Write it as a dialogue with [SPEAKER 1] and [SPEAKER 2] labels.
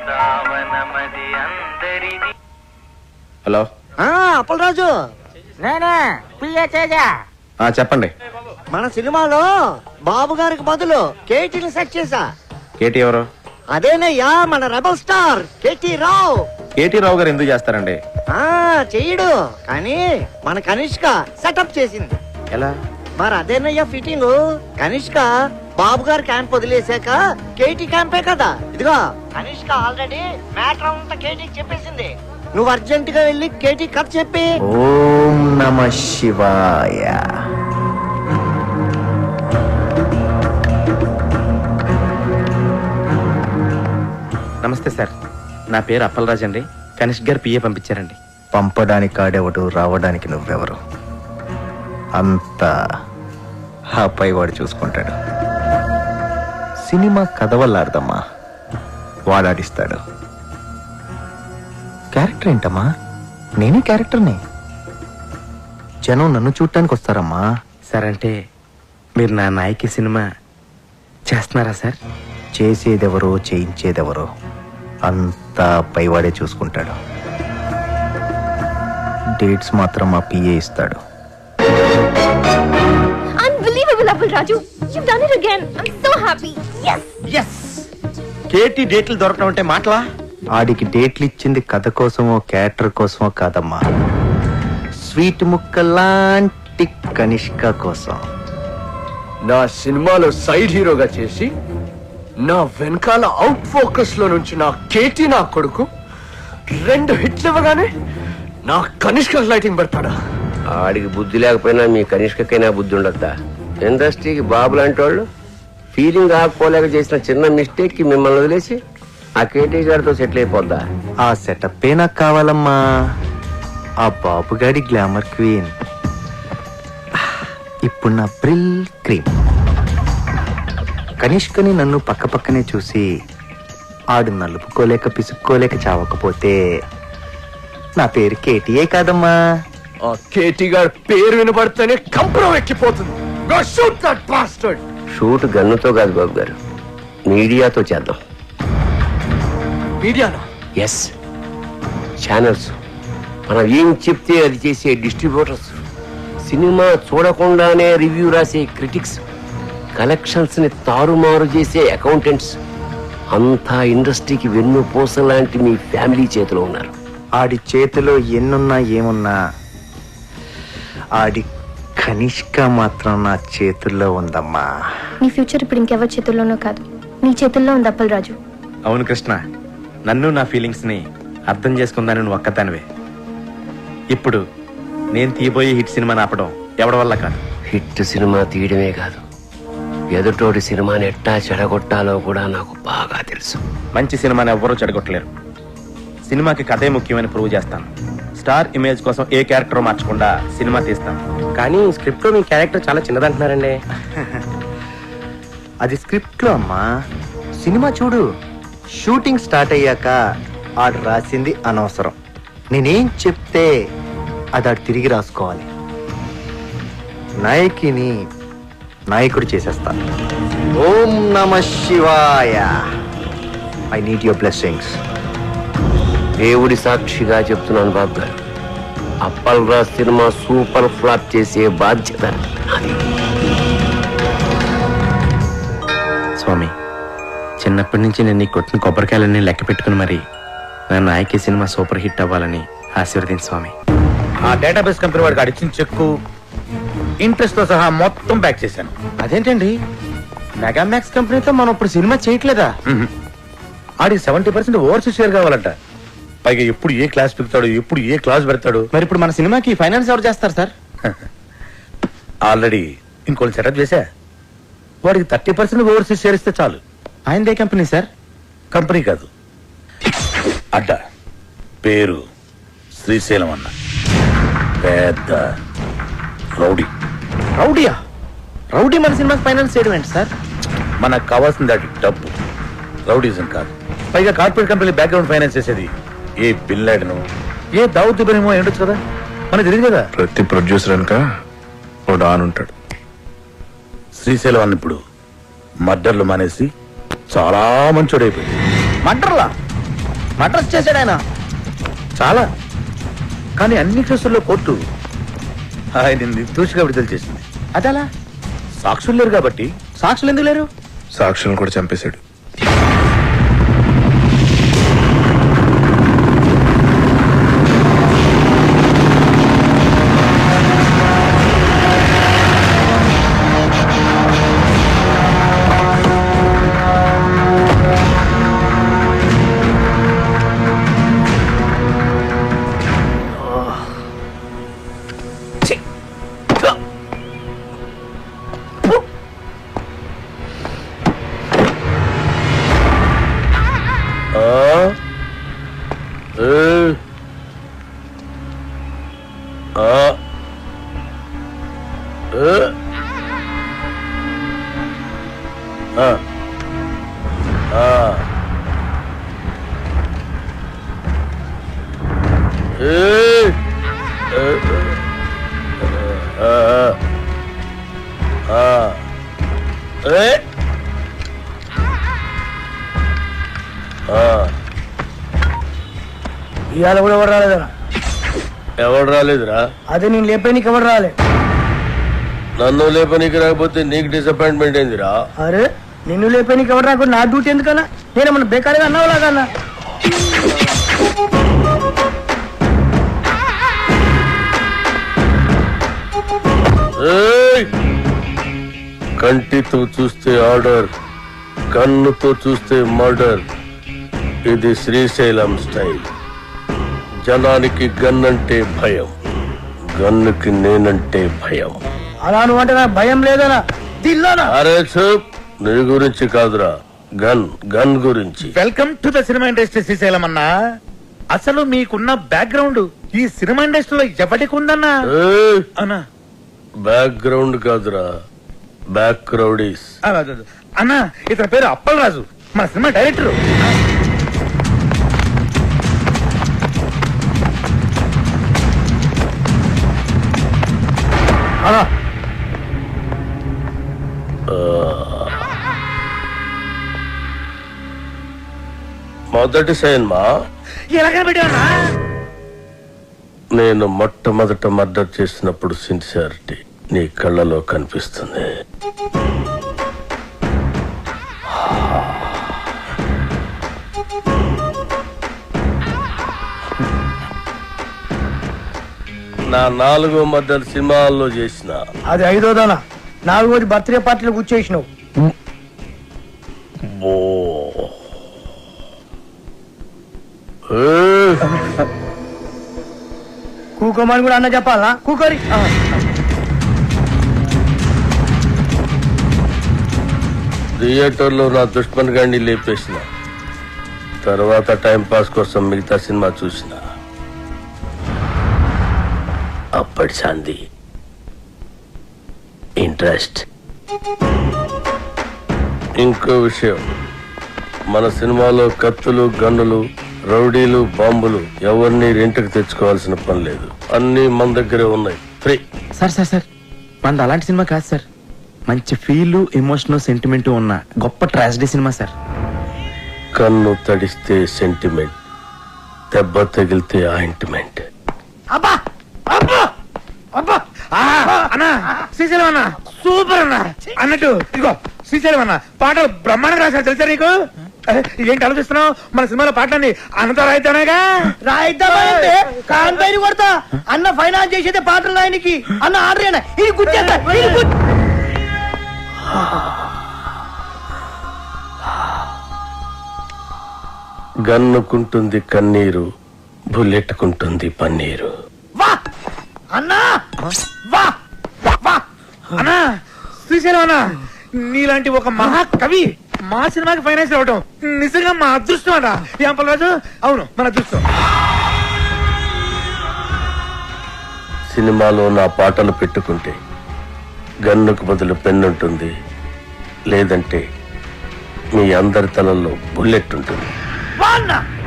[SPEAKER 1] Hello
[SPEAKER 2] Appalaraju,
[SPEAKER 3] నేనే PA Teja.
[SPEAKER 1] చెప్పండి.
[SPEAKER 2] మన సినిమాలో బాబు గారికి బదులు కేటీని సెట్ చేశా.
[SPEAKER 1] కేటీ ఎవరు?
[SPEAKER 2] అదేనయ్యా మన rebel star KT Rao.
[SPEAKER 1] KT Rao గారు ఎందుకు చేస్తారండి?
[SPEAKER 2] చెయ్యడు, కానీ మన కనిష్క సెటప్ చేసింది.
[SPEAKER 1] ఎలా?
[SPEAKER 2] మరి అదేనయ్యా ఫిట్టింగ్. కనిష్క బాబు గారు క్యాంప్ వదిలేసాక కేటీ క్యాంపే కదా. ఇదిగో కనిష్క ఆల్రెడీ మ్యాటర్ అంతా కేటీకి చెప్పేసింది. నువ్వు అర్జెంట్ గా వెళ్ళి కేటీ కథ చెప్పి.
[SPEAKER 4] ఓం నమః శివాయ.
[SPEAKER 1] నమస్తే సార్, నా పేరు అప్పలరాజు అండి. కనిష్క్ గారు పిఏ పంపించారండి.
[SPEAKER 4] పంపడానికి కాడేవాడు, రావడానికి నువ్వెవరు? అంతా ఆ పైవాడు చూసుకుంటాడు. సినిమా కథ వల్ల అర్థమ్మా, వాడాడిస్తాడు. క్యారెక్టర్ ఏంటమ్మా? నేనే క్యారెక్టర్ని. జనం నన్ను చూడటానికి వస్తారమ్మా.
[SPEAKER 1] సార్ అంటే మీరు నా నాయకి సినిమా చేస్తున్నారా సార్?
[SPEAKER 4] చేసేదెవరో చేయించేదెవరో అంతా పైవాడే చూసుకుంటాడు. డేట్స్ మాత్రం మా పిఏ ఇస్తాడు.
[SPEAKER 5] Unbelievable, Appalraju. You've done it again. I'm so happy. Yes.
[SPEAKER 1] yes. KT డేట్లు దొరకడం అంటే మాటలా?
[SPEAKER 4] ఆడికి డేట్లు ఇచ్చింది కథ కోసమో క్యారెక్టర్ కోసమో కాదమ్మా, స్వీట్ ముక్కలాంటి కనిష్క కోసం.
[SPEAKER 6] నా సినిమాలో సైడ్ హీరోగా చేసి నా వెనకాల అవుట్ ఫోకస్ లో నుంచి నా కేటీ నా కొడుకు 2 హిట్లు ఇవ్వగానే నా కనిష్క లైటింగ్ పెడతాడా?
[SPEAKER 7] ఆడికి బుద్ధి లేకపోయినా మీ కనిష్కకైనా బుద్ధి ఉండద్దా? ఇండస్ట్రీకి బాబు లాంటి వాళ్ళు ఫీలింగ్ ఆపుకోలేక చేసిన చిన్న మిస్టేక్ కి మిమ్మల్ని వదిలేసి ఆ కేటీ గారితో సెటిల్ అయిపోద్దా?
[SPEAKER 4] ఆ సెటప్ నాకు కావాలమ్మా. ఆ బాబుగాడి గ్లామర్ క్వీన్ ఇప్పుడు నా బ్రిల్ క్రీమ్. కనిష్కని నన్ను పక్క పక్కనే చూసి ఆడు నలుపుకోలేక పిసుక్కోలేక చావకపోతే నా పేరు కేటీఏ కాదమ్మా.
[SPEAKER 6] ఆ కేటీ గారి పేరు వినబడితేనే కంపరం ఎక్కిపోతుంది. Go shoot that bastard.
[SPEAKER 7] Shoot గన్నుతో కాదు బాబు గారు, మీడియాతో చేద్దాం.
[SPEAKER 6] మీడియానా?
[SPEAKER 7] ఎస్, ఛానల్స్, మనం ఏం చెప్తే అది చేసే డిస్ట్రిబ్యూటర్స్, సినిమా చూడకుండానే రివ్యూ రాసే క్రిటిక్స్, కలెక్షన్స్ ని తారుమారు చేసే అకౌంటెంట్స్, అంతా ఇండస్ట్రీకి వెన్నుపూస లాంటి మీ ఫ్యామిలీ చేతిలో ఉన్నారు.
[SPEAKER 4] ఆడి చేతిలో ఎన్నున్నా ఏమున్నా ఆడి కనిష్క మాత్రం నా చేతుల్లో ఉందమ్మా.
[SPEAKER 5] నీ ఫ్యూచర్ ఇప్పుడు ఇంకెవరి చేతుల్లోనో కాదు, నీ చేతుల్లో ఉంది అప్పలరాజు.
[SPEAKER 1] అవును కృష్ణ, నన్ను నా ఫీలింగ్స్ ని అర్థం చేసుకుందాని నువ్వు ఒక్కదానివే. ఇప్పుడు నేను తీయబోయే హిట్ సినిమాని ఆపడం ఎవడి వల్ల కాదు.
[SPEAKER 7] హిట్ సినిమా తీయడమే కాదు, ఎదుటోడి సినిమాని ఎట్టా చెడగొట్టాలో కూడా నాకు బాగా తెలుసు.
[SPEAKER 1] మంచి సినిమాని ఎవ్వరూ చెడగొట్టలేరు. సినిమాకి కథే ముఖ్యమని ప్రూవ్ చేస్తాను. స్టార్ ఇమేజ్ కోసం ఏ క్యారెక్టర్ మార్చకుండా సినిమా తీస్తాను.
[SPEAKER 7] కానీ స్క్రిప్ట్ లో మీ క్యారెక్టర్ చాలా చిన్నదంటున్నారండి.
[SPEAKER 4] అది స్క్రిప్ట్ లో అమ్మా. సినిమా చూడు, షూటింగ్ స్టార్ట్ అయ్యాక ఆడు రాసింది అనవసరం. నేనేం చెప్తే అది ఆడు తిరిగి రాసుకోవాలి. నాయకిని నాయకుడు చేసేస్తాను. ఓం నమః శివాయ. I need your blessings.
[SPEAKER 7] దేవుడి సాక్షిగా చెప్తున్నాను బాబు గారు, అప్పల్రాజ్ సినిమా సూపర్ ఫ్లాప్ చేసే బాధ్యత నాది.
[SPEAKER 1] స్వామి, చిన్నప్పటి నుంచి నేను నీ కొట్టిన కొబ్బరికాయలన్నీ లెక్క పెట్టుకుని మరి నా నాయకి సినిమా సూపర్ హిట్ అవ్వాలని ఆశీర్వదించు స్వామి.
[SPEAKER 8] ఆ డేటాబేస్ కంపెనీ వాడికి అడిచిన చెక్కు ఇంట్రెస్ట్ తో సహా మొత్తం బ్యాక్ చేశాను.
[SPEAKER 1] అదేంటండి, మెగామాక్స్ కంపెనీతో మనం ఇప్పుడు సినిమా చేయట్లేదా?
[SPEAKER 8] ఆడికి 70% ఓవర్సీస్ షేర్ కావాలంట. పైగా ఎప్పుడు ఏ క్లాస్ పెడతాడు, ఎప్పుడు ఏ క్లాస్ పెడతాడు.
[SPEAKER 1] మరి ఇప్పుడు మన సినిమాకి ఫైనాన్స్ ఎవరు చేస్తారు సార్?
[SPEAKER 8] ఆల్రెడీ ఇంకోటి సెటప్ చేశా. వాడికి 30% ఓవర్సీస్ షేర్ ఇస్తే చాలు.
[SPEAKER 1] ఆయనదే కంపెనీ సార్?
[SPEAKER 8] కంపెనీ కాదు, అడ్డ. పేరు శ్రీశైలం అన్న. పెద్ద రౌడీ.
[SPEAKER 1] రౌడీయా? రౌడీ మన సినిమాకి ఫైనాన్స్ చేయడం ఏంటి సార్?
[SPEAKER 8] మనకు కావాల్సింది అది డబ్బు, రౌడీజం కాదు. పైగా కార్పొరేట్ కంపెనీ బ్యాక్గ్రౌండ్ ఫైనాన్స్ చేసేది ఏ బిన్ లాడెను, ఏ దావుద్ ఇబ్రహీమో ఏంటొచ్చు కదా, మనకు తెలియదు కదా.
[SPEAKER 9] ప్రతి ప్రొడ్యూసర్ అనక ఓ డాన్ ఉంటాడు.
[SPEAKER 8] శ్రీశైలం అన్న ఇప్పుడు మర్డర్లు మానేసి చాలా మంచోడైపోయింది.
[SPEAKER 1] మర్డర్లా?
[SPEAKER 4] మర్డర్స్ చేశాడు ఆయన.
[SPEAKER 8] చాలా. కానీ అన్ని కేసుల్లో కోర్టు ఆయన నిర్దోషిగా విడుదల చేసింది.
[SPEAKER 4] అదలా?
[SPEAKER 8] సాక్షులు లేరు కాబట్టి.
[SPEAKER 4] సాక్షులు ఎందుకు లేరు?
[SPEAKER 9] సాక్షులను కూడా చంపేశాడు.
[SPEAKER 3] ఇవాళ కూడా ఎవరు రాలేదరా?
[SPEAKER 6] ఎవడు రాలేదురా?
[SPEAKER 3] అదే నేను లేపేనికి ఎవరు రాలే.
[SPEAKER 6] నన్ను లేపనీకి రాకపోతే నీకు డిసప్పాయింట్మెంట్ ఏందిరా?
[SPEAKER 3] అరే నిన్ను లేపేనికి ఎవరు రాకుండా నా డ్యూటీ ఎందుకన్నా? నేనేమన్నా బేకారీగా అన్నావులాగన్నా?
[SPEAKER 6] కంటితో చూస్తే ఆర్డర్, కన్నుతో చూస్తే మర్డర్. ఇది శ్రీశైలం స్టైల్. జనానికి గన్ అంటే భయం, గన్నుకి నేనంటే భయం.
[SPEAKER 3] అలా నువ్వు అంటే నాకు భయం లేదనా? దిల్లానా?
[SPEAKER 6] అరే చూప్, నీ గురించి కాదురా, గన్ గన్ గురించి.
[SPEAKER 8] Welcome to the cinema industry Srisailam అన్నా. అసలు మీకున్న బ్యాక్గ్రౌండ్ ఈ సినిమా ఇండస్ట్రీలో ఎవరికి ఉందన్నా? అన్నా
[SPEAKER 6] బ్యాక్గ్రౌండ్ కాదురా, బ్యాక్ క్రౌడీస్.
[SPEAKER 8] అన్నా ఇతని పేరు అప్పలరాజు, మన సినిమా డైరెక్టర్.
[SPEAKER 6] మొదటి సినిమా
[SPEAKER 8] ఎలాగైనా పెట్టావన్నా?
[SPEAKER 6] నేను మొట్టమొదట మర్డర్ చేసినప్పుడు సిన్సియారిటీ నీ కళ్ళలో కనిపిస్తుంది. నా 4వ మర్డర్ సినిమాల్లో చేసిన.
[SPEAKER 3] అది 5వదనా? 4వది బర్త్డే పార్టీలో కూర్చేసినావు. కూకోమని కూడా అన్న చెప్పాలా? కూకోరి.
[SPEAKER 6] థియేటర్లో నా దుష్మన్ గాడిని లేపేసిన తర్వాత టైం పాస్ కోసం మిగతా సినిమా చూసిన. అప్పటి శాంతి ఇంట్రెస్ట్. ఇంకో విషయం, మన సినిమాలో కత్తులు, గన్నులు, రౌడీలు, బాంబులు ఎవరిని రెంట్కి తెచ్చుకోవాల్సిన పని లేదు. అన్ని మన దగ్గరే ఉన్నాయి, ఫ్రీ.
[SPEAKER 1] సార్ సార్ సార్ మనది అలాంటి సినిమా కాదు సార్. మంచి ఫీల్, ఎమోషనల్, సెంటిమెంట్ ఉన్న గొప్ప ట్రాజడీ సినిమా సార్.
[SPEAKER 6] కన్ను తడిస్తే సెంటిమెంట్, దెబ్బ తగిలితే ఆయింట్మెంట్.
[SPEAKER 3] అబ్బా అబ్బా అబ్బా!
[SPEAKER 8] అన్నా శ్రీశైలం అన్న సూపర్ అన్న. అన్నట్టు ఇదిగో శ్రీశైలం అన్న పాటలు బ్రహ్మాండంగా రాశారు తెలుసా నీకు? ఏంటి ఆలోచిస్తున్నావు? మన సినిమాలో పాటలన్నీ అన్నతో రాయితేనేగా.
[SPEAKER 3] రాయిద్దామంటే కాంపైని కొడతా. అన్న ఫైనాన్స్ చేసేదే పాటలు రాయనికి. అన్న ఆర్డర్ అయినా ఇది గుర్తేస్తా.
[SPEAKER 6] గన్నుకుంటుంది కన్నీరు, బుల్లెట్టుకుంటుంది పన్నీరు.
[SPEAKER 3] వా అన్నా, వా వా
[SPEAKER 8] అన్నా శ్రీశైలం అన్న నీలాంటి ఒక మహాకవి మా సినిమాకి ఫైనాన్స్ అవ్వటం నిజంగా మా అదృష్టం అన్న. ఏం పర్వాలేదు? అవును మన అదృష్టం.
[SPEAKER 6] సినిమాలో నా పాటలు పెట్టుకుంటే గన్నుకు బదులు పెన్నుంటుంది, లేదంటే మీ అందరి తలల్లో బుల్లెట్ ఉంటుంది.
[SPEAKER 3] వా అన్నా.